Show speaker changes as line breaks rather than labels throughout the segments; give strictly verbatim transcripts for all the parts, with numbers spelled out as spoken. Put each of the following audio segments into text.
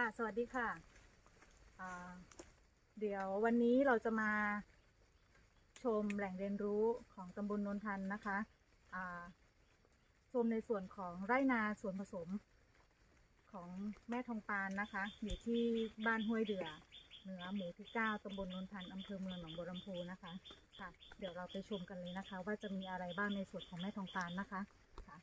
สวัสดีค่ะเดี๋ยววันนี้เราจะมาชมแหล่งเรียนรู้ของตำบลโนนทันนะคะชมในส่วนของไร่นาส่วนผสมของแม่ทองปานนะคะอยู่ที่บ้านห้วยเดือเหนือหมู่ที่เก้าตำบลโนนทันอำเภอเมืองหนองบัวลำพูนะคะค่ะเดี๋ยวเราไปชมกันเลยนะคะว่าจะมีอะไรบ้างในส่วนของแม่ทองปานนะคะค่ะ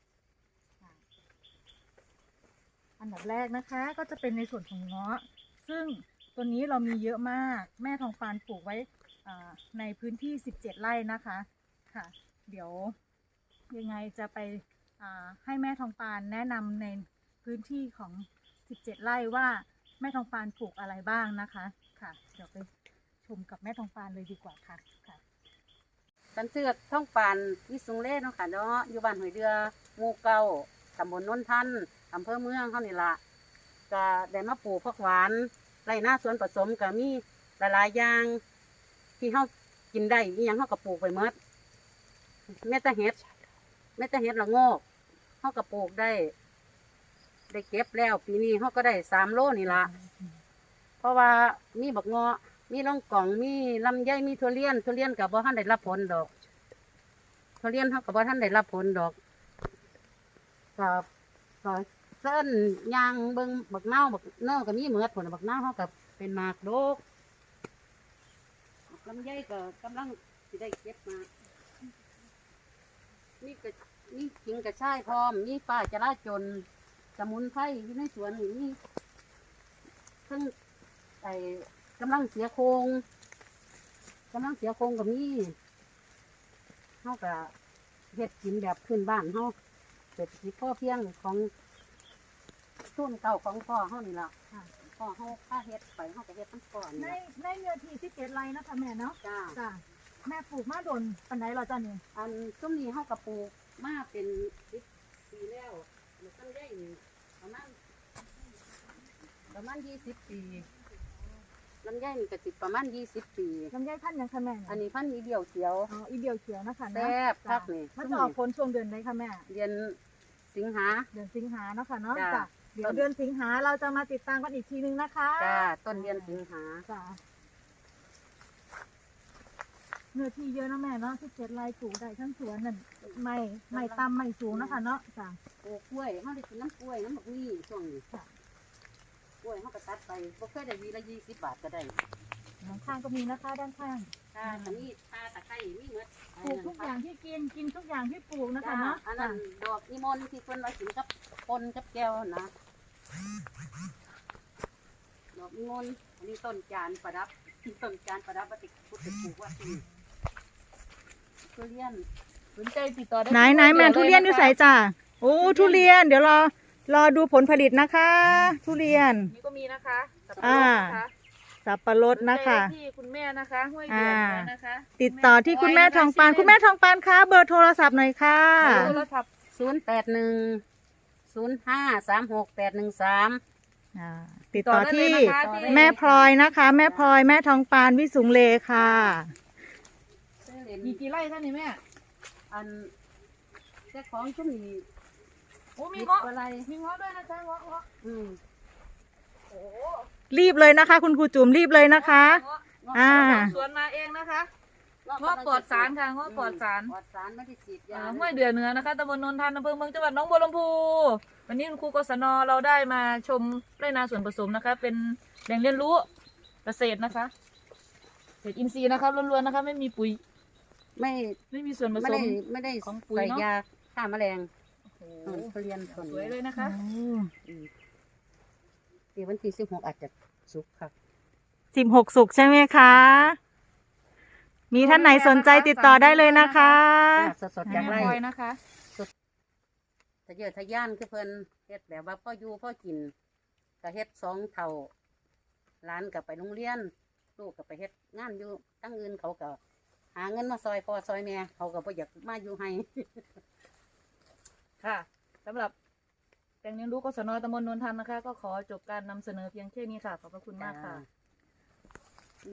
อันดับแรกนะคะก็จะเป็นในส่วนของเงาะซึ่งตัวนี้เรามีเยอะมากแม่ทองปานปลูกไว้ในพื้นที่สิบเจ็ดไร่นะคะค่ะเดี๋ยวยังไงจะไปให้แม่ทองปานแนะนำในพื้นที่ของสิบเจ็ดไร่ว่าแม่ทองปานปลูกอะไรบ้างนะคะค่ะเดี๋ยวไปชมกับแม่ทองปานเลยดีกว่าค่ะค่ะ
ตันเสือทองปานวิสุงเล่เนาะค่ะเนาะอยู่บ้านห้วยเดือหมู่เก้าตำบลโนนทันอำเภอเมืองเขานี่ละก็ได้มาปลูกผักหวานไรหน้าสวนผสมก็มีหลายๆอย่างที่เขากินได้มีอย่างเขาก็ปลูกไปหมดแม่ตะเห็ดแม่ตะเห็ดละโงกเขาก็ปลูกได้ได้เก็บแล้วปีนี้เขาก็ได้สามโลนี่ละเพราะว่ามีบักเงาะมีล่องกล่องมีลำไยมีทุเรียนทุเรียนกับบ่ท่านได้รับผลดอกทุเรียนเขากับบ่ท่านได้รับผลดอกกับก็เส้นยางเบิ้งบักเน่าบักเน่าก็มีเหมือดผลบักเน่าเขากับเป็นหมากโดกลำไยก็กำลังสิได้เก็บมานี่ก็นี่ขิงกระชายพร้อมนี่ป้าจะราจนสมุนไพรอยู่ในสวนนี่นี่ซึ่งไอ้กำลังเสียโครงกำลังเสียโครงกับนี่เขาก็เฮ็ดกินแบบพื้นบ้านเขาเศรษฐกิจพอเพียงของทุนเก่าของพ่อเขานี่แหละพ่อเขาค่าเฮ็ดไปเขาก็เฮ็ดทั้งก่อน
ในในเนื้อที่สิบเจ็ดไร่นะคะแม่เนาะ
จ้า
จ้าแม่ปลูกมาโดนปันไหนเราจ้าเนี่ย
อันซุ้มนี้เขาก็ปลูกมาเป็นสิบปีแล้วมันต้นใหญ่ประมาณประมาณยี่สิบปีลำไยนี่ก็ติดประมาณยี่สิบปี
ลำไยพันธุ์ยังคะแม่
อันนี้พันธุ์อีเดียวเขียว
อ๋ออีเดียวเขียวนะคะ
แซ่บคักนี่
มันจะออกผลช่วงเดือนไหนคะแม่
เดือนสิงหา
เดือนสิงหาเนาะค่ะเนาะจ้ะเดี๋ยวเดือนสิงหาเราจะมาติดตามกันอีกทีนึงนะคะ
จ้าต้นเดือนสิงหา
จ้าเนื้อที่เยอะนะแม่เนาะที่เจ็ดไร่ปลูกได้ทั้งสวนนั่นไม่ไม่ต่ำไม่สูงนะคะเนาะจ้ะ
ปลูกกล้วยเขาได้กินน้ำกล้วยน้ำบักนี่ช่วงนี้กล้วยเขาก็ตัดไปบ่เคยได้วีละยี่สิบบาทก็ได้
ด้านข้างก็มีนะคะด้านข้าง
ค่ะอันนี้ตาตะไคร้มีหมด
ปลูกทุกอย่างที่กินกินทุกอย่างที่ปลูกนะคะเนาะ
อันนั้นดอกอีมอนที่คนไว้กินกับปนกับแก้วนะดอกอีมอนอันนี้ต้นจานประดับต้นจานประดับวัตถุพุทธปลูกว่าที่ทุเรียนสนใจติดต่อได้
ไหนไหนแม่ทุเรียนอยู่ใส่จ้าโอ้ทุเรียนเดี๋ยวรอรอดูผลผลิตนะคะทุเรียน
นี่ก็มีนะคะ
อ่าสับปะรดนะคะ
ที่คุณแม่นะคะห้วยเดือนะคะ
ติดต่อที่คุณแม่ทองปานคุณแม่ทองปานคะเบอร์โทรศัพท์หน่อยค่ะ
โทรศัพท์ศูนย์แปดหนึ่งศูนย์ห้าสามหกแปดหนึ่งสาม
ติดต่อที่แม่พลอยนะคะแม่พลอยแม่ทองปานวิสุงเลค่ะ
มีกี่ไร่ท่านนี่แม่อันเจ้าของชุ่มนี่
โอ้มีเงาะอะไรมีเงาะด้วยนะจ๊ะเงาะเงาะ
อืม
โอ้รีบเลยนะคะคุณครูจุ๋มรีบเลยนะคะ
อ่าสวนมาเองนะคะเงาะปลอดสารค่ะเงาะปลอดสารปลอดสารไม่ได้ฉีดยา
ห้วยเดือเหนือนะคะตำบลโนนทันอำเภอเมืองจังหวัดหนองบัวลำพูวันนี้คุณครูกศนเราได้มาชมไร่นาสวนผสมนะคะเป็นแหล่งเรียนรู้เกษตรนะคะเกษตรอินทรีย์นะคะล้วนๆนะคะไม่มีปุ๋ย
ไม่
ไม่มีส่วนผสม
ไม่ได้ของปุ๋ยยาฆ่าแมลงทุเรียนส
วยเลยนะคะ
ปีวันที่สิบหกอาจจะสุกค่ะ
สิบหกสุกใช่ไหมคะมีท่านไหนสนใจติดต่อได้เลยนะคะ
สดๆจากไร่
นะคะ
สดทะเยอทะยานคือเพิ่นเฮ็ดแบบว่าพ่ออยู่พ่อกินก็เฮ็ดสองเท่าร้านกับไปโรงเรียนลูกกับไปเฮ็ดงานอยู่ตั้งอื่นเขาก็หาเงินมาซอยพ่อซอยแม่เขาก็บ่อยากมาอยู่ให้
ค่ะสำหรับแหล่งเรียนรู้กศนตำบลโนนทันนะคะก็ขอจบการนำเสนอเพียงแค่นี้ค่ะขอบพระคุณมากค่ะ